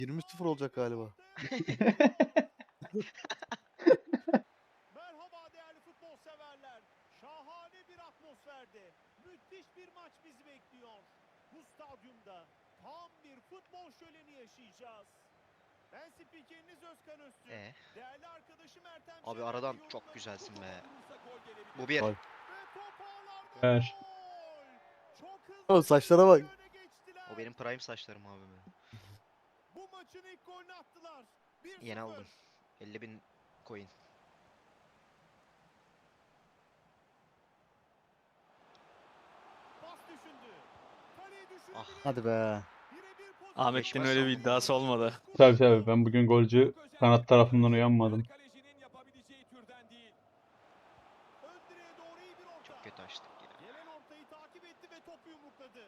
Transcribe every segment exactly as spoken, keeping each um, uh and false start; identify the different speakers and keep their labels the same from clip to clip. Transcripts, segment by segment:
Speaker 1: yirmi sıfır olacak galiba.
Speaker 2: Merhaba değerli futbol severler. Şahane bir atmosferde müthiş bir maç bizi bekliyor. Bu stadyumda tam bir futbol şöleni yaşayacağız. Ben spikeriniz Özkan Öztürk.
Speaker 3: Ee,
Speaker 2: Değerli arkadaşım Ertem
Speaker 3: abi
Speaker 2: Şener
Speaker 3: aradan
Speaker 2: ve
Speaker 3: çok
Speaker 2: yorumlarım
Speaker 3: güzelsin
Speaker 2: bu
Speaker 3: be.
Speaker 2: topa vurursa gol gelebilir.
Speaker 3: Bu bir.
Speaker 1: Gol.
Speaker 2: Ve top ağlarda
Speaker 4: Ver.
Speaker 2: gol. Çok hızlı
Speaker 1: Oğlum
Speaker 2: bir
Speaker 1: saçlara bak.
Speaker 2: şekilde öne geçtiler.
Speaker 3: O benim prime saçlarım abi be.
Speaker 2: Bu maçın ilk golünü attılar. bir sıfır.
Speaker 3: Yeni aldım. elli bin coin.
Speaker 2: Pas düşündü. Kaleyi düşürebilir.
Speaker 3: Ah.
Speaker 1: Hadi be.
Speaker 2: Birebir pozisyon.
Speaker 4: Ahmet'in
Speaker 3: Beş
Speaker 4: öyle
Speaker 3: maç
Speaker 4: bir
Speaker 3: aldım
Speaker 4: iddiası
Speaker 3: abi.
Speaker 4: olmadı.
Speaker 2: Tabii
Speaker 4: Tabii tabii ben bugün golcü kanat tarafından uyanmadım.
Speaker 2: Kalecinin yapabileceği türden değil. Ön direğe doğru iyi bir orta.
Speaker 3: Çok kötü açtık ya.
Speaker 2: Gelen ortayı takip etti ve topu yumrukladı.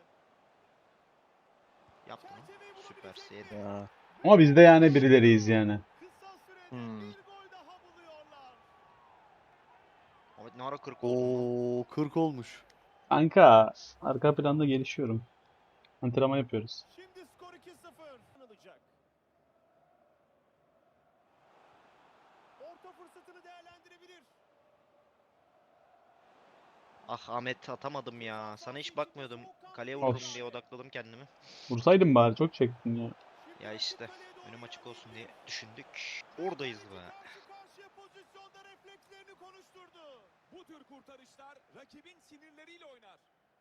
Speaker 3: Yap bunu.
Speaker 2: Çerçeveyi bulabilecek
Speaker 3: Süpersi
Speaker 2: mi?
Speaker 3: yedi.
Speaker 1: Ya.
Speaker 4: Ama biz de yani birileriyiz yani.
Speaker 2: Kısa sürede
Speaker 4: Hmm.
Speaker 2: bir gol daha buluyorlar.
Speaker 3: Ahmet ne ara kırk oldun lan?
Speaker 1: Oo kırk olmuş.
Speaker 4: Kanka arka planda gelişiyorum. Antrenman yapıyoruz.
Speaker 2: Şimdi skor iki sıfır. Alacak. Orta fırsatını değerlendirebilir.
Speaker 3: Ah Ahmet atamadım ya. Sana hiç bakmıyordum. Kaleye
Speaker 4: Of.
Speaker 3: vururum diye odakladım kendimi.
Speaker 4: Vursaydım bari, çok çektin ya.
Speaker 2: Şimdi
Speaker 3: Ya
Speaker 2: rakip
Speaker 3: işte
Speaker 2: kaleye doğru
Speaker 3: önüm açık olsun diye
Speaker 2: yöneldi.
Speaker 3: düşündük. Oradayız be.
Speaker 2: Karşı karşıya pozisyonda reflekslerini konuşturdu. Bu tür kurtarışlar rakibin sinirleriyle oynar.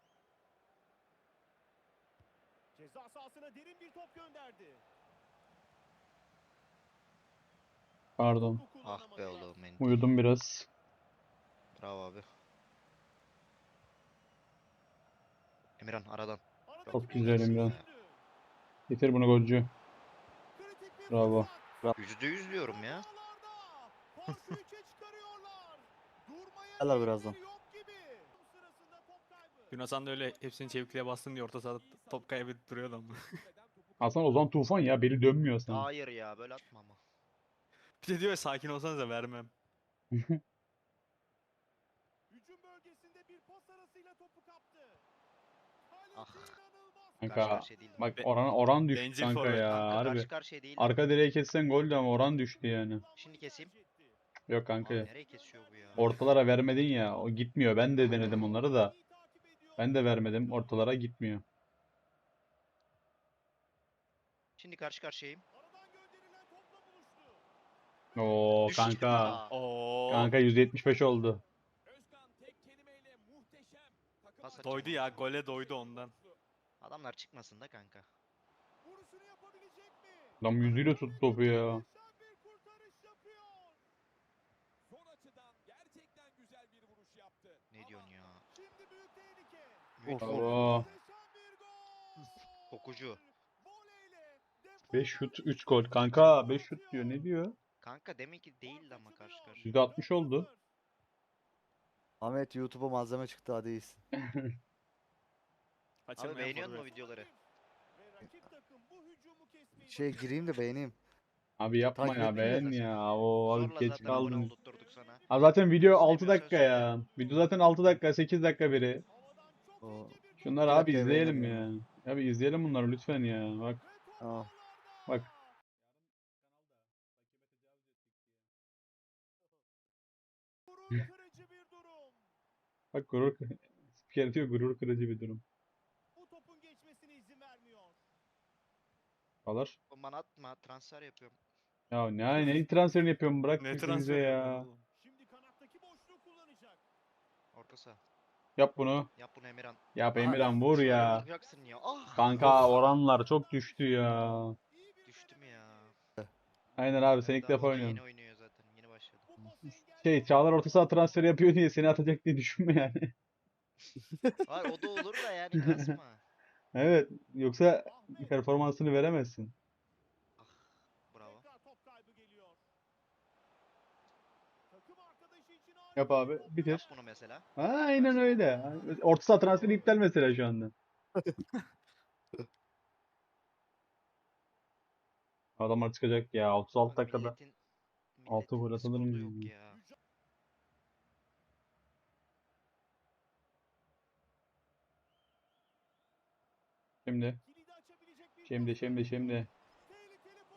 Speaker 2: Ceza sahasına derin bir top gönderdi.
Speaker 4: Pardon.
Speaker 2: Topu
Speaker 3: Ah be
Speaker 2: kullanamadılar.
Speaker 3: oğlum benim.
Speaker 4: Uyudum biraz.
Speaker 3: Bravo abi. Emirhan aradan.
Speaker 2: Aradaki
Speaker 4: Çok
Speaker 2: boşluğu
Speaker 4: güzel Emre.
Speaker 2: düşündü.
Speaker 4: Getir bunu golcü.
Speaker 2: Kritik bir
Speaker 4: Bravo.
Speaker 2: fırsat.
Speaker 3: Yüzde yüz diyorum ya.
Speaker 2: Ağlarda. Farkı üçe çıkarıyorlar. Durmaya
Speaker 1: Helal birazdan.
Speaker 2: niyetleri yok gibi. Sırasında top kaybı.
Speaker 5: Yunus Han da öyle hepsini çevikliğe bastın diye orta sahada top kaybedip duruyordu ama.
Speaker 4: Hasan Ozan Tufan ya, beli dönmüyor sana.
Speaker 3: Hayır ya böyle atma ama.
Speaker 5: Bir de diyor ya, sakin olsanıza vermem.
Speaker 2: Hücum bölgesinde bir pas arasıyla topu kaptı.
Speaker 3: Ah.
Speaker 2: Kaleci inanılmaz.
Speaker 3: Karşı
Speaker 4: Kanka
Speaker 3: karşıya değildim.
Speaker 4: bak
Speaker 5: Be-
Speaker 4: oran oran düştü
Speaker 5: bencil
Speaker 4: kanka
Speaker 5: forvet
Speaker 4: ya,
Speaker 3: Kanka
Speaker 4: harbi.
Speaker 3: karşı karşıya değildim.
Speaker 4: Arka direğe kessen goldü ama oran düştü yani.
Speaker 3: Şimdi keseyim.
Speaker 4: Yok kanka.
Speaker 3: Abi nereye kesiyor bu ya?
Speaker 4: Ortalara vermedin ya, o gitmiyor. Ben de denedim onları da. Ben de vermedim, ortalara gitmiyor.
Speaker 3: Şimdi karşı karşıyayım.
Speaker 2: Aradan gönderilen topla buluştu.
Speaker 4: Oo
Speaker 3: Düştüm
Speaker 4: kanka.
Speaker 3: ya.
Speaker 5: Oo.
Speaker 4: Kanka yüzde yetmiş beş oldu.
Speaker 2: Özkan tek kelimeyle muhteşem. Takım
Speaker 3: Pas
Speaker 5: Doydu ya, gole doydu ondan.
Speaker 3: Adamlar çıkmasın da kanka.
Speaker 2: Vuruşunu yapabilecek mi?
Speaker 4: Adam yüzüyle tuttu topu ya.
Speaker 2: Muhteşem bir kurtarış yapıyor. Son açıdan gerçekten güzel bir vuruş yaptı.
Speaker 3: Ne diyorsun ya?
Speaker 2: Şimdi büyük tehlike.
Speaker 1: Of.
Speaker 4: Bravo.
Speaker 2: Muhteşem bir gol.
Speaker 3: Kokucu.
Speaker 2: Voleyle defans
Speaker 4: beş şut üç gol. Kanka beş şut diyor, ne diyor?
Speaker 3: Kanka demek ki değildi ama karşı karşı.
Speaker 4: yüzde altmış oldu.
Speaker 1: Ahmet YouTube'a malzeme çıktı hadi iyisin.
Speaker 3: Abi
Speaker 5: Kaçırmayan
Speaker 3: beğeniyor musun
Speaker 5: forvet.
Speaker 3: videoları?
Speaker 2: Ve rakip takım bu hücumu kesmeyi
Speaker 1: Şey gireyim de beğeneyim.
Speaker 4: Abi yapma
Speaker 1: Takip
Speaker 4: ya,
Speaker 1: ettim ya
Speaker 4: beğen
Speaker 3: zaten.
Speaker 4: ya. O abi
Speaker 3: Zorla
Speaker 4: geç
Speaker 3: zaten abone
Speaker 4: kaldın.
Speaker 3: oldurtturduk sana.
Speaker 4: Abi zaten video altı
Speaker 3: İstemiyorsan
Speaker 4: dakika
Speaker 3: söyle.
Speaker 4: ya. Video zaten altı dakika, sekiz dakika biri.
Speaker 2: havadan çok
Speaker 1: O
Speaker 2: ince bir top
Speaker 4: Şunları
Speaker 1: iki
Speaker 4: abi
Speaker 1: dakikaya
Speaker 4: izleyelim
Speaker 1: beğenebilirim.
Speaker 4: ya. Abi izleyelim bunları lütfen ya. Bak
Speaker 2: ve top
Speaker 1: Tamam.
Speaker 2: ağlarda.
Speaker 4: bak.
Speaker 2: Gurur kırıcı bir durum.
Speaker 4: Bak gurur spiker diyor, gurur kırıcı bir durum.
Speaker 2: Bu topun geçmesine izin vermiyor.
Speaker 4: Alır.
Speaker 3: Oğlum bana atma transfer yapıyorum.
Speaker 4: Ya ne ne transferini yapıyorum, bırak
Speaker 5: Ne
Speaker 4: bizi
Speaker 5: transfer
Speaker 4: ya.
Speaker 5: yapıyorsun oğlum?
Speaker 2: Şimdi kanattaki boşluğu kullanacak.
Speaker 3: Orta saha.
Speaker 4: Yap bunu.
Speaker 3: Yap bunu Emirhan.
Speaker 4: Yap
Speaker 3: Aha,
Speaker 4: Emirhan, vur
Speaker 3: şöyle
Speaker 4: ya.
Speaker 3: vuracaksın ya. Ah.
Speaker 4: Kanka oranlar çok düştü ya.
Speaker 2: İyi bir
Speaker 3: Düştüm ya.
Speaker 4: Aynen abi, sen ilk
Speaker 3: Daha
Speaker 4: defa
Speaker 3: hoca yeni
Speaker 4: oynuyorsun.
Speaker 3: oynuyor zaten. Yeni başladı.
Speaker 2: Bu pası engelleyen
Speaker 4: Şey, Çağlar orta saha transferi yapıyor diye seni atacak diye düşünme yani.
Speaker 3: Hayır o da olur da yani kasma.
Speaker 4: Evet, yoksa
Speaker 2: Ahmet.
Speaker 4: performansını veremezsin.
Speaker 3: Ah. Bravo.
Speaker 2: Tekrar top kaybı geliyor. Takım arkadaşı için
Speaker 4: Yap
Speaker 2: harika
Speaker 4: abi,
Speaker 2: bir top
Speaker 4: bitir.
Speaker 3: Yap bunu mesela.
Speaker 4: Aynen öyle. Orta saha transferi iptal mesela şu anda. Adamlar çıkacak ya otuz altı
Speaker 3: Bak
Speaker 4: dakikada.
Speaker 3: milletin
Speaker 4: altı
Speaker 3: milletin
Speaker 4: gol atılır
Speaker 3: Discord'u
Speaker 4: mı
Speaker 3: yok
Speaker 4: ya?
Speaker 3: ya.
Speaker 4: Şimdi.
Speaker 2: kilidi açabilecek bir
Speaker 4: Şimdi
Speaker 2: pozisyon
Speaker 4: şimdi
Speaker 2: arıyor.
Speaker 4: şimdi.
Speaker 2: Tehlikeli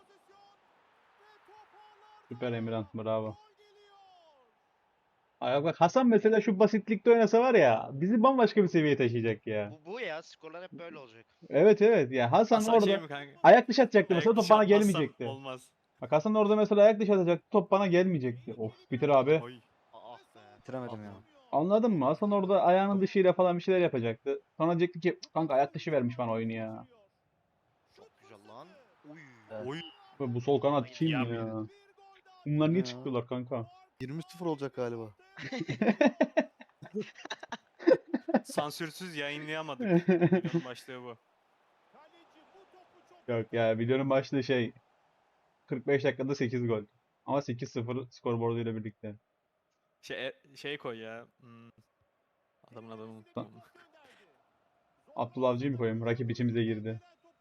Speaker 4: Süper Emirhan, bravo.
Speaker 2: Gol geliyor.
Speaker 4: Ay bak Hasan mesela şu basitlikte oynasa var ya bizi bambaşka bir seviyeye taşıyacak ya.
Speaker 3: Bu, bu ya skorlar hep böyle olacak.
Speaker 4: Evet evet ya Hasan
Speaker 5: Hasan şey
Speaker 4: orada
Speaker 5: mi kanka?
Speaker 4: ayak dışı atacaktı mesela
Speaker 5: Ayak
Speaker 4: top
Speaker 5: dışı
Speaker 4: bana
Speaker 5: atmazsam
Speaker 4: gelmeyecekti.
Speaker 5: olmaz.
Speaker 4: Bak Hasan orada mesela ayak dışı atacaktı top bana gelmeyecekti. Of bitir abi.
Speaker 5: Oy.
Speaker 3: Ah be.
Speaker 1: Bitiremedim
Speaker 3: Ah
Speaker 1: ya.
Speaker 3: lan.
Speaker 4: Anladın mı? Hasan orada ayağının dışıyla falan bir şeyler yapacaktı. Sonra diyecekti ki "Cık, kanka ayak dışı vermiş bana oyunu ya.
Speaker 3: Çok güzel lan. Uy.
Speaker 1: Evet.
Speaker 5: Oy.
Speaker 4: Ve bu sol kanat
Speaker 3: Hayır,
Speaker 4: kim
Speaker 5: ya
Speaker 4: ya?
Speaker 5: bir-
Speaker 4: Bunlar niye
Speaker 1: Ne ya?
Speaker 4: çıktılar kanka?
Speaker 1: yirmi sıfır olacak galiba.
Speaker 5: Sansürsüz yayınlayamadık. Videonun başlığı bu.
Speaker 4: Yok ya videonun başlığı şey kırk beş dakikada sekiz gol. Ama sekiz sıfır skorboarduyla birlikte.
Speaker 5: Şey, şey koy ya. Hmm, adamın adını unuttum. onu.
Speaker 4: Abdullah Avcı'yı mı koyayım? Rakip içimize girdi.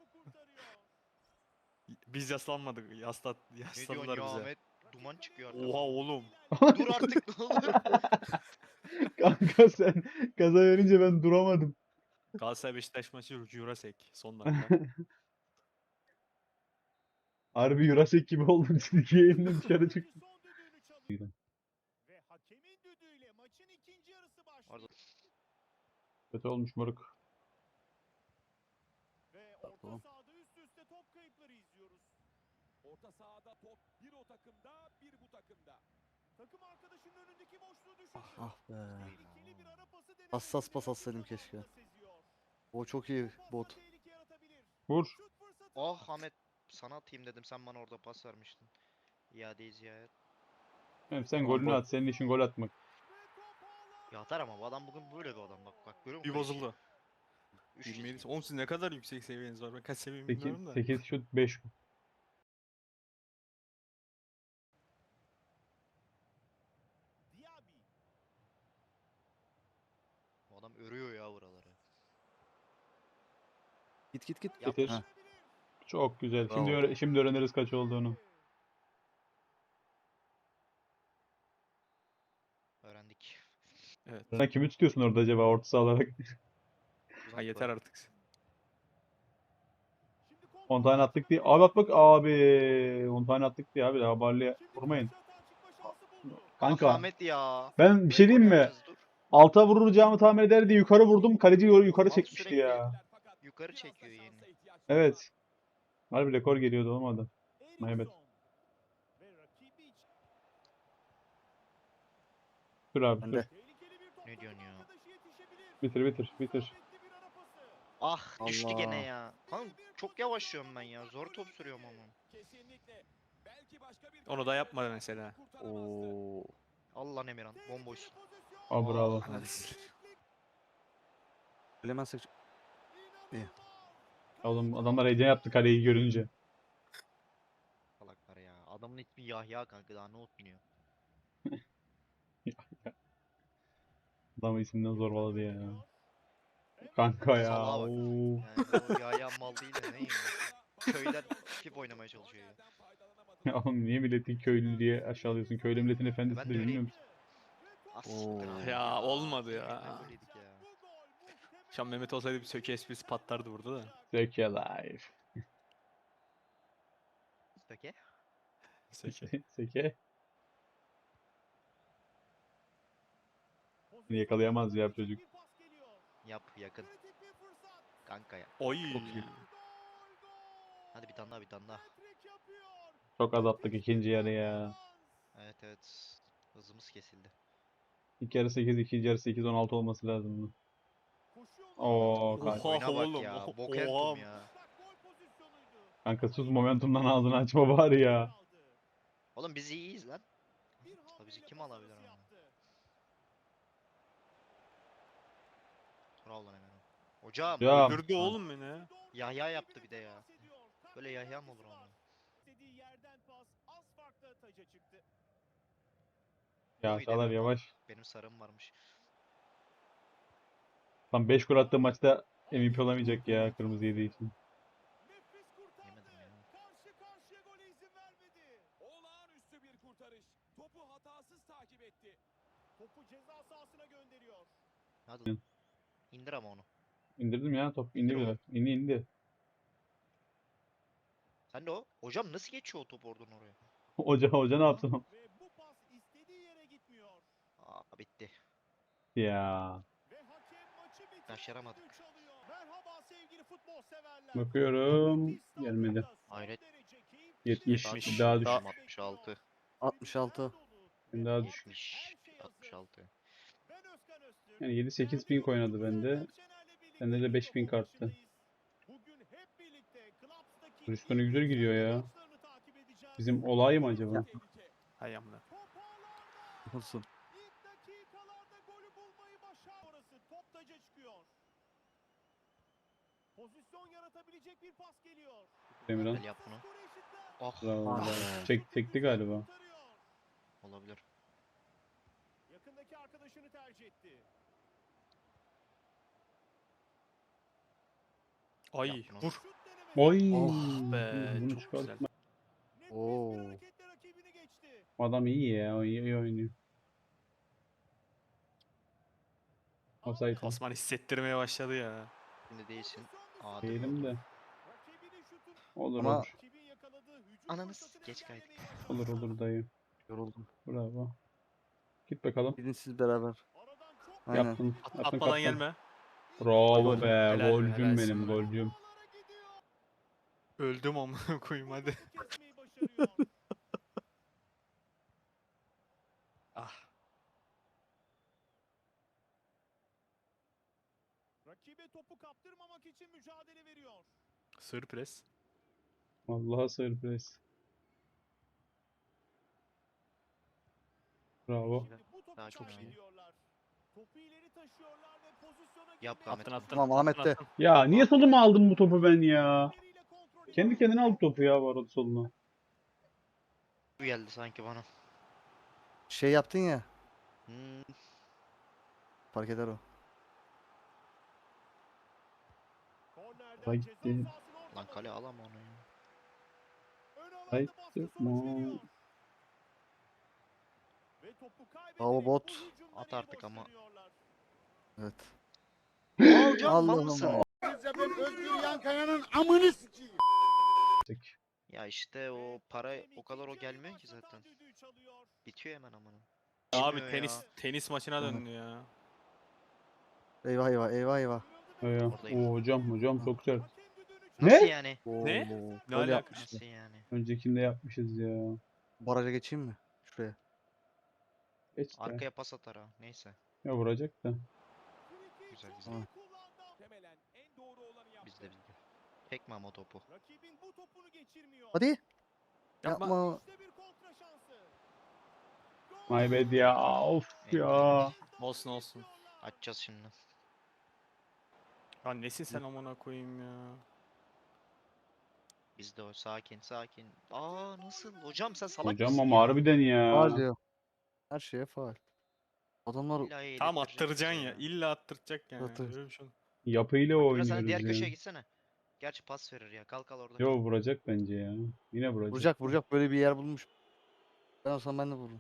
Speaker 5: Biz yaslanmadık. Yaslat,
Speaker 3: Ne diyorsun
Speaker 5: yasladılar
Speaker 3: ya
Speaker 5: bize.
Speaker 3: Ahmet? Duman çıkıyor
Speaker 5: Oha
Speaker 3: arkadan.
Speaker 5: oğlum.
Speaker 3: Dur artık ne olur.
Speaker 4: Kanka sen gaza verince ben duramadım.
Speaker 5: Galatasaray Beşiktaş maçı Jurasek. Son dakika.
Speaker 4: Harbi Jurassic gibi oldum. Çizgi yayından dışarı çıktım.
Speaker 2: Ve hakemin düdüğüyle maçın ikinci yarısı başlıyor.
Speaker 3: Arda-
Speaker 4: Kötü olmuş moruk.
Speaker 2: Ve orta
Speaker 1: Tamam.
Speaker 2: sahada üst üste top kayıpları izliyoruz.
Speaker 6: Orta sahada top bir o takımda bir bu takımda.
Speaker 2: Takım arkadaşının önündeki boşluğu düşündü.
Speaker 1: Ah be.
Speaker 2: Tehlikeli bir ara pası denemesini
Speaker 1: Hassas pas
Speaker 2: de
Speaker 1: atsaydım
Speaker 2: rakip
Speaker 1: keşke.
Speaker 2: zamanında seziyor.
Speaker 1: O çok iyi
Speaker 2: Çok
Speaker 1: bot.
Speaker 2: fazla tehlike yaratabilir.
Speaker 4: Vur.
Speaker 2: Şut fırsatı
Speaker 3: Ah
Speaker 2: var.
Speaker 3: Ahmet sana atayım dedim sen bana orada pas vermiştin. İadeyi ziyaret.
Speaker 4: Hem sen
Speaker 1: Tamam,
Speaker 4: golünü
Speaker 1: gol.
Speaker 4: at. Senin işin gol atmak.
Speaker 2: Ve top ağlarda.
Speaker 3: Ya atar ama bu adam bugün böyle bir adam bak bak görüyor musun?
Speaker 5: Bir
Speaker 3: kaleciyi?
Speaker 5: bozuldu.
Speaker 3: Üç
Speaker 5: yirmi yedi.
Speaker 3: kez.
Speaker 5: Oğlum siz ne kadar yüksek seviyeniz var. Ben kaç seviyemi
Speaker 4: sekiz,
Speaker 5: bilmiyorum da.
Speaker 4: sekiz şut beş gol.
Speaker 2: Diaby.
Speaker 3: Bu adam örüyor ya buraları.
Speaker 1: Git git git.
Speaker 3: Yap.
Speaker 4: Bitir.
Speaker 1: Heh.
Speaker 4: Çok güzel. Şimdi
Speaker 1: Bravo.
Speaker 4: öğre- şimdi öğreniriz kaç olduğunu.
Speaker 3: Öğrendik.
Speaker 5: Evet.
Speaker 4: Sen kimi tutuyorsun orada acaba orta saha olarak?
Speaker 5: Ha yeter artık.
Speaker 2: Şimdi
Speaker 4: on
Speaker 2: kontrol
Speaker 4: tane attık
Speaker 2: maçına
Speaker 4: diye.
Speaker 2: dönüyor.
Speaker 4: Abi bak bak abi. on tane attık diye abi. Daha Barley'e
Speaker 2: Şimdi
Speaker 4: vurmayın.
Speaker 2: karşı atağa çıkma şansı buldu.
Speaker 3: Ah
Speaker 4: Kanka
Speaker 3: Ahmet ya.
Speaker 4: ben bir şey
Speaker 3: Rekor
Speaker 4: diyeyim mi?
Speaker 3: yapacağız, dur.
Speaker 4: Alta vuracağımı tahmin eder diye yukarı vurdum. Kaleci yukarı yukarı
Speaker 3: Mal
Speaker 4: çekmişti
Speaker 3: sürekli
Speaker 4: ya.
Speaker 3: yukarı
Speaker 6: Biraz da
Speaker 3: çekiyor yeni.
Speaker 6: şansa ihtiyaç var.
Speaker 4: Evet. Harbi rekor geliyordu olmadı. Evet.
Speaker 2: Eriksson. Ve rakibi için
Speaker 4: Dur abi
Speaker 1: Ben
Speaker 4: dur.
Speaker 1: de.
Speaker 2: tehlikeli bir top
Speaker 3: Ne diyorsun
Speaker 2: takım
Speaker 3: ya?
Speaker 2: arkadaşı yetişebilir.
Speaker 4: Bitir bitir bitir.
Speaker 2: İsabetli bir ara pası.
Speaker 3: Ah düştü gene
Speaker 1: Allah.
Speaker 3: ya. Kanka çok yavaşlıyorum ben ya. Zor top sürüyorum ama.
Speaker 6: Kesinlikle. Belki başka bir
Speaker 5: Onu da yapmadı mesela.
Speaker 6: kurtaramazdı.
Speaker 1: Oo.
Speaker 3: Allah lan Emirhan bomboşsun.
Speaker 4: Aa bravo.
Speaker 3: Ah.
Speaker 5: Hadi sil.
Speaker 1: Bilemezsek İyi.
Speaker 4: Oğlum adamlar heyecan yaptı kaleyi görünce.
Speaker 3: Salaklar ya. Adamın ismi Yahya kanka daha ne otmuyor.
Speaker 4: Adamı isimden zorbaladı ya. Kanka ya.
Speaker 3: Salaha bak.
Speaker 4: Oo.
Speaker 3: Yani o Yahya mal değil de neyim? Köyden tip oynamaya çalışıyor ya.
Speaker 4: Ya oğlum niye milletin köylü diye aşağılıyorsun? Köylü milletin
Speaker 3: Ben
Speaker 4: efendisidir
Speaker 3: de
Speaker 4: bilmiyor
Speaker 3: öyleyim.
Speaker 4: musun?
Speaker 3: Ah siktir
Speaker 1: Oo.
Speaker 3: abi
Speaker 5: Ya, olmadı ya.
Speaker 3: Yeminle böyleydik ya.
Speaker 5: Şu an Mehmet olsaydı bir söke esprisi patlardı burada da.
Speaker 4: Zeki life.
Speaker 3: Peki.
Speaker 5: Söke.
Speaker 4: Seke. Yakalayamaz ya çocuk.
Speaker 3: Yap yakın. Kanka ya.
Speaker 5: Oy.
Speaker 1: Çok iyi.
Speaker 3: Hadi bir tane daha bir tane daha.
Speaker 4: Çok az attık ikinci yarı ya.
Speaker 3: Evet evet. Hızımız kesildi.
Speaker 4: İlk yarı sekiz, ikinci yarı sekiz on altı olması lazımdı. Oo kanka.
Speaker 5: Oha
Speaker 3: Oyuna bak
Speaker 5: oğlum,
Speaker 3: ya.
Speaker 5: oha.
Speaker 3: Bokentum ya.
Speaker 4: Kanka sus momentumdan ağzını açma bari ya.
Speaker 3: Oğlum biz iyiyiz lan. Tabii bizi kim alabilir ama. Bravo lan Emirhan. Hocam.
Speaker 4: Ya
Speaker 5: Öldürdü oğlum beni.
Speaker 3: Yahya yaptı bir de ya. Böyle Yahya mı olur ama?
Speaker 2: İstediği yerden pas az farkla taca çıktı.
Speaker 4: ya
Speaker 3: Oy
Speaker 4: Çağlar
Speaker 3: deme.
Speaker 4: yavaş.
Speaker 3: Benim sarım varmış.
Speaker 4: Tam beş gol attığı maçta M V P olamayacak ya kırmızı yediği için.
Speaker 2: Nefis kurtardı.
Speaker 3: Yemedim ya.
Speaker 2: Karşı karşıya gole izin vermedi.
Speaker 6: Olağanüstü bir kurtarış. Topu hatasız takip etti.
Speaker 2: Topu ceza sahasına gönderiyor.
Speaker 3: Hadi lan. İndir ama onu.
Speaker 4: İndirdim ya top indi
Speaker 3: İndir
Speaker 4: bile.
Speaker 3: oğlum.
Speaker 4: İndi indi.
Speaker 3: Sen de o. Hocam nasıl geçiyor o top oradan oraya?
Speaker 4: Hoca hoca ne yaptı?
Speaker 2: Ve bu pas istediği yere gitmiyor.
Speaker 3: Aa, bitti.
Speaker 4: Ya.
Speaker 2: Ve hakem maçı bitirme
Speaker 3: Başaramadık.
Speaker 2: düdüğü çalıyor. Merhaba sevgili futbol severler.
Speaker 4: Bakıyorum.
Speaker 2: Müthiş
Speaker 4: Gelmedi.
Speaker 2: stadyumda son
Speaker 3: Hayret.
Speaker 2: derece keyifli
Speaker 4: yetmiş.
Speaker 2: bir
Speaker 5: Bir
Speaker 2: maç
Speaker 4: daha
Speaker 2: bizi
Speaker 4: düş.
Speaker 2: bekliyor.
Speaker 3: altmış altı.
Speaker 1: altmış altı.
Speaker 4: Bir daha düş.
Speaker 3: yetmiş. altmış altı.
Speaker 2: Ben Özkan Öztürk.
Speaker 4: Yani yedi sekiz ping oynadı bende. Bende de beş ping arttı.
Speaker 2: Bugün hep birlikte Clubs'taki
Speaker 4: Hristiyan'a güzel gidiyor ya.
Speaker 2: maçlarını takip edeceğiz.
Speaker 4: Bizim olay mı acaba?
Speaker 5: Hay amına.
Speaker 2: Top ağlarda.
Speaker 1: Olsun.
Speaker 2: İlk dakikalarda golü bulmayı başar. Orası top taca çıkıyor. Pozisyon yaratabilecek bir pas geliyor.
Speaker 4: Emirhan.
Speaker 3: Gel yap bunu.
Speaker 2: Skoru eşitler.
Speaker 3: Oh,
Speaker 4: Bravo.
Speaker 1: Ah
Speaker 4: be.
Speaker 1: be.
Speaker 4: Çek, çekti galiba.
Speaker 2: Kurtarıyor.
Speaker 3: olabilir.
Speaker 2: Yakındaki arkadaşını tercih etti.
Speaker 5: Ay
Speaker 3: Yap bunu.
Speaker 5: vur.
Speaker 2: Şut denemesi.
Speaker 4: Oy.
Speaker 5: Oh be,
Speaker 4: Bunu
Speaker 5: çok
Speaker 4: çıkartma.
Speaker 5: güzel.
Speaker 2: Nefis
Speaker 1: Oo.
Speaker 2: bir hareketle rakibini geçti.
Speaker 4: Adam iyi ya. O iyi, iyi oynuyor. Offside.
Speaker 5: Osman hissettirmeye başladı ya.
Speaker 3: Şimdi değilsin.
Speaker 2: Pozisyon
Speaker 3: Aa,
Speaker 2: dışı.
Speaker 4: Değilim de.
Speaker 2: Rakibinin şutu.
Speaker 4: Olur
Speaker 1: Ama-
Speaker 4: olur.
Speaker 2: Rakibin yakaladığı hücum
Speaker 3: Ananı
Speaker 2: fırsatını
Speaker 3: geç
Speaker 2: engellemeyi
Speaker 3: kaydık.
Speaker 2: başardı.
Speaker 4: Olur olur dayı.
Speaker 1: Yoruldum.
Speaker 4: Bravo. Git bakalım.
Speaker 1: Gidin siz beraber.
Speaker 2: Aradan çok
Speaker 1: Aynen.
Speaker 4: Yaptın.
Speaker 5: At,
Speaker 4: Yaptın
Speaker 5: atmadan
Speaker 4: kaptan.
Speaker 5: gelme.
Speaker 4: Bravo
Speaker 1: Gol.
Speaker 4: be.
Speaker 5: Helal be,
Speaker 4: Golcüm
Speaker 5: helalsin
Speaker 4: benim.
Speaker 5: be.
Speaker 4: Golcüm.
Speaker 2: ağlara gidiyor.
Speaker 5: Öldüm amına koyayım hadi.
Speaker 2: Topu kesmeyi başarıyor.
Speaker 5: Ah.
Speaker 2: Rakibe topu kaptırmamak için mücadele veriyor.
Speaker 5: Sır pres.
Speaker 4: Vallahi sürpriz. Bravo.
Speaker 2: Şimdi bu topu
Speaker 3: Daha çok iyi.
Speaker 2: kaybediyorlar. Topu ileri taşıyorlar ve pozisyona
Speaker 3: Yap
Speaker 2: girmeye
Speaker 3: Ahmet.
Speaker 5: Attın attın.
Speaker 1: Tamam, Ahmet
Speaker 5: attın,
Speaker 1: de.
Speaker 5: attın.
Speaker 4: Ya niye soluma aldın bu topu ben ya?
Speaker 2: elleriyle kontrol
Speaker 4: Kendi
Speaker 2: ediyor.
Speaker 4: kendine aldı topu ya bu arada soluna.
Speaker 3: Bu geldi sanki bana.
Speaker 1: Şey yaptın ya.
Speaker 3: Hmm,
Speaker 1: Fark eder o.
Speaker 2: Kornerden
Speaker 4: Vay
Speaker 2: ceza
Speaker 4: gitti.
Speaker 2: sahasına orta
Speaker 3: lan kale
Speaker 2: bölge.
Speaker 3: alama onu ya.
Speaker 2: Ön alanda
Speaker 4: Hayır,
Speaker 2: baskı
Speaker 4: yapma.
Speaker 2: sonuç veriyor. Ve topu
Speaker 1: Bravo
Speaker 2: kaybederek
Speaker 1: bot.
Speaker 2: bu hücumdan
Speaker 3: At
Speaker 2: iyi
Speaker 3: artık
Speaker 2: boş
Speaker 3: ama.
Speaker 2: dönüyorlar.
Speaker 1: Evet.
Speaker 3: Alcan mal
Speaker 1: Allah'ım.
Speaker 3: mısın?
Speaker 4: Tek.
Speaker 3: Ya işte o
Speaker 2: Ve
Speaker 3: para
Speaker 2: hakem
Speaker 3: o kadar o
Speaker 2: ikinci yarı
Speaker 3: gelmiyor ki
Speaker 2: başlatan
Speaker 3: zaten.
Speaker 2: düdüğü çalıyor.
Speaker 3: Bitiyor hemen amına.
Speaker 5: Abi
Speaker 3: Bilmiyor
Speaker 5: tenis
Speaker 3: ya.
Speaker 5: tenis maçına
Speaker 1: Hı hı.
Speaker 5: döndü ya.
Speaker 1: Eyvah eyvah eyvah eyvah.
Speaker 2: Kırıldı ve
Speaker 4: Ya.
Speaker 3: Oradayım.
Speaker 4: Oo, hocam hocam çok sert.
Speaker 2: hakem düdüğünü
Speaker 4: Ne?
Speaker 3: Nasıl yani?
Speaker 1: Oo,
Speaker 5: Ne? Ne
Speaker 1: Böyle
Speaker 5: alaka?
Speaker 1: yapmıştı.
Speaker 3: Nasıl yani?
Speaker 4: Öncekinde yapmışız ya.
Speaker 1: Baraja geçeyim mi? Şuraya.
Speaker 4: Geç de.
Speaker 3: Arkaya pas atar ha. Neyse.
Speaker 4: Ya vuracak da.
Speaker 3: Güzel güzel.
Speaker 1: Tamam.
Speaker 6: Muhtemelen en doğru olanı yaptı.
Speaker 3: Bizde bizde. Çekme ama topu.
Speaker 2: Rakibin bu topunu geçirmiyor.
Speaker 1: Hadi.
Speaker 5: Yapma.
Speaker 1: Yapma.
Speaker 2: İşte bir kontra şansı. Gol!
Speaker 4: My bad ya. Of ya.
Speaker 5: Olsun olsun.
Speaker 3: Açacağız şimdi.
Speaker 5: Ya nesin sen amına koyayım ya.
Speaker 3: Bizde o. Sakin sakin. Aa nasıl? Hocam sen salak
Speaker 4: Hocam
Speaker 3: mısın
Speaker 4: ama
Speaker 3: ya?
Speaker 4: harbiden ya.
Speaker 1: Faul diyor. Her şeye faul. Adamlar
Speaker 3: İlla
Speaker 5: Tam
Speaker 3: yedirttirecek
Speaker 5: attıracaksın
Speaker 3: bize
Speaker 5: ya. İlla attıracak yani.
Speaker 1: Attır.
Speaker 5: Öyle bir şey.
Speaker 4: Yapıyla
Speaker 3: Bak, biraz sen diğer
Speaker 4: oynuyoruz
Speaker 3: köşeye
Speaker 4: ya.
Speaker 3: gitsene. Gerçi pas verir ya. Kalk kal orada.
Speaker 4: Yo
Speaker 3: kal.
Speaker 4: vuracak bence ya. Yine vuracak.
Speaker 1: vuracak vuracak, böyle bir yer bulmuş. Ben olsam ben de vururum.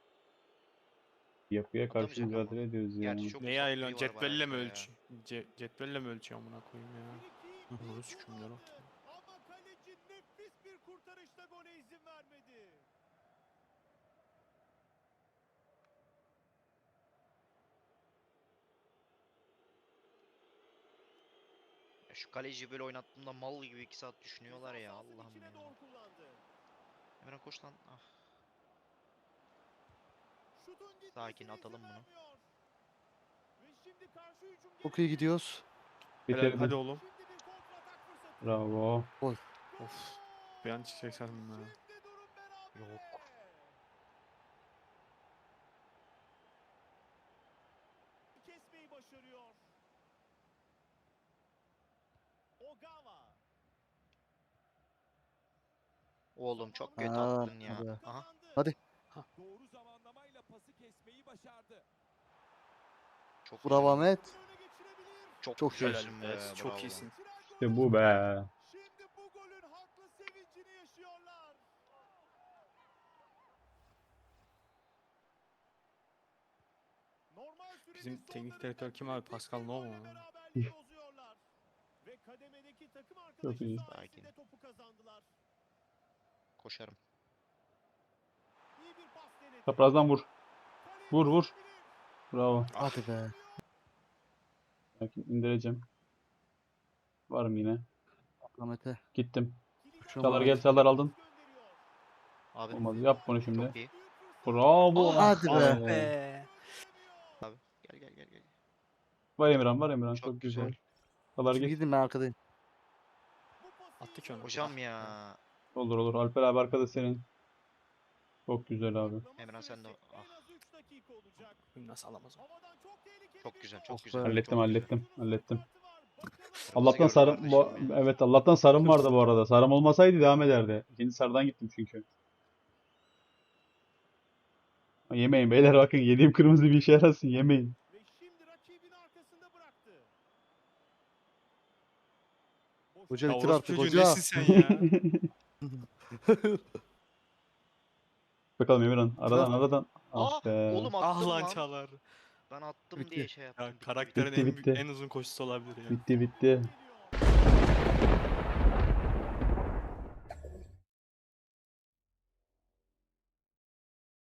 Speaker 4: Yapıya karşı
Speaker 3: Atamayacak ama.
Speaker 4: mücadele ediyoruz ya.
Speaker 3: Gerçi çok
Speaker 5: Neyi
Speaker 3: uzak
Speaker 5: ayırıyorsun?
Speaker 3: biri var
Speaker 5: Cetvelle mi
Speaker 3: barajda ya.
Speaker 5: ölç? Ce cetvelle mi ölçüyor amına koyayım ya?
Speaker 2: Bir iki,
Speaker 5: Bunu
Speaker 2: bir
Speaker 5: sikeyim
Speaker 2: gol
Speaker 5: ya.
Speaker 2: attı. Ama kaleci nefis bir kurtarışla gole izin vermedi.
Speaker 3: Ya şu kaleci böyle oynattığımda mal gibi iki saat düşünüyorlar ya.
Speaker 2: Ceza sahasının
Speaker 3: Allah'ım
Speaker 2: içine
Speaker 3: ya.
Speaker 2: doğru kullandı.
Speaker 3: Emre koş lan. Ah.
Speaker 2: Şutun gitmesine
Speaker 3: Sakin,
Speaker 2: izin
Speaker 3: atalım bunu.
Speaker 2: vermiyor. Ve şimdi karşı hücum
Speaker 1: Çok iyi
Speaker 2: geldi.
Speaker 1: gidiyoruz.
Speaker 5: Helal,
Speaker 4: Bitirdi.
Speaker 5: hadi oğlum.
Speaker 2: Şimdi bir kontratak fırsatı.
Speaker 4: Bravo.
Speaker 5: Of. Bir an çıkacak sandım ya.
Speaker 2: Şimdi durum berabere.
Speaker 3: Yok.
Speaker 2: Kesmeyi başarıyor. Ogawa.
Speaker 3: Oğlum çok kötü
Speaker 1: Aa,
Speaker 3: attın ya.
Speaker 1: hadi.
Speaker 3: Aha.
Speaker 2: Kazandı.
Speaker 1: Hadi.
Speaker 6: Doğru zamanlamayla pası kesmeyi başardı.
Speaker 3: Çok
Speaker 1: Bravo
Speaker 3: güzel.
Speaker 1: Ahmet.
Speaker 2: Öne geçirebilir.
Speaker 3: Çok,
Speaker 1: Çok
Speaker 3: güzelsin
Speaker 5: Helal
Speaker 3: be.
Speaker 5: be, çok
Speaker 3: bravo.
Speaker 5: iyisin.
Speaker 4: İşte bu be.
Speaker 2: Şimdi bu golün haklı sevincini yaşıyorlar. Normal sürenin
Speaker 5: Bizim
Speaker 2: sonlarında
Speaker 5: teknik direktör kim abi?
Speaker 2: kritik
Speaker 5: Pascal
Speaker 2: bir
Speaker 5: Novo
Speaker 2: golle
Speaker 5: mu?
Speaker 2: beraberliği bozuyorlar. Ve kademedeki takım arkadaşı
Speaker 4: iyi.
Speaker 2: sayesinde
Speaker 3: Sakin.
Speaker 2: topu kazandılar.
Speaker 3: Koşarım.
Speaker 4: Çaprazdan vur. Vur vur. Bravo.
Speaker 1: Hadi be.
Speaker 4: Sakin, indireceğim. Varım yine.
Speaker 1: Ahmet'e.
Speaker 4: Gittim.
Speaker 1: Şuna
Speaker 4: Çalar
Speaker 1: bak.
Speaker 4: gel, çalar aldın.
Speaker 3: Abi
Speaker 4: Olmadı. Yap bunu şimdi.
Speaker 3: çok iyi.
Speaker 4: Bravo.
Speaker 3: Aa,
Speaker 1: Hadi
Speaker 4: Ah
Speaker 1: be.
Speaker 5: Be.
Speaker 3: Gel gel gel gel.
Speaker 4: Var Emirhan, var Emirhan.
Speaker 3: Çok
Speaker 4: Çok güzel.
Speaker 3: güzel.
Speaker 4: Çalar
Speaker 1: Şimdi
Speaker 4: git.
Speaker 1: gidin ben arkadayım.
Speaker 5: Attı ki onu.
Speaker 3: Hocam ya.
Speaker 4: Olur olur. Alper abi arkada senin. Çok güzel abi.
Speaker 3: Emran sen de ah,
Speaker 5: Bunu nasıl alamaz o?
Speaker 3: çok güzel çok
Speaker 1: Oh
Speaker 3: güzel.
Speaker 1: be.
Speaker 4: Hallettim
Speaker 3: çok güzel.
Speaker 4: hallettim. Hallettim.
Speaker 3: Kırmızı
Speaker 4: Allah'tan
Speaker 3: gördüm
Speaker 4: sarım bu
Speaker 3: kardeşim ya.
Speaker 4: evet Allah'tan sarım vardı bu arada. Sarım olmasaydı devam ederdi. İkinci sarıdan gittim çünkü. Yemeyin beyler, bakın yediğim kırmızı bir işe yarasın, yemeyin.
Speaker 2: Ve şimdi rakibin arkasında bıraktı.
Speaker 1: Hoca
Speaker 5: Ya
Speaker 1: bitir
Speaker 5: orospu
Speaker 1: artık
Speaker 5: çocuğu
Speaker 1: hoca.
Speaker 5: nesin sen ya?
Speaker 4: Bakalım Emirhan. Aradan
Speaker 1: Tamam.
Speaker 4: aradan.
Speaker 3: Aa,
Speaker 4: Ah be.
Speaker 3: oğlum
Speaker 5: Ah
Speaker 3: attım
Speaker 5: lan
Speaker 3: lan.
Speaker 5: Çağlar.
Speaker 3: Ben attım
Speaker 1: Bitti.
Speaker 3: diye şey yaptım.
Speaker 5: Ya
Speaker 3: bitti,
Speaker 5: karakterin
Speaker 4: Bitti,
Speaker 5: en,
Speaker 4: bitti.
Speaker 5: en uzun koşusu olabilir ya.
Speaker 4: Bitti bitti.
Speaker 2: Geliyor.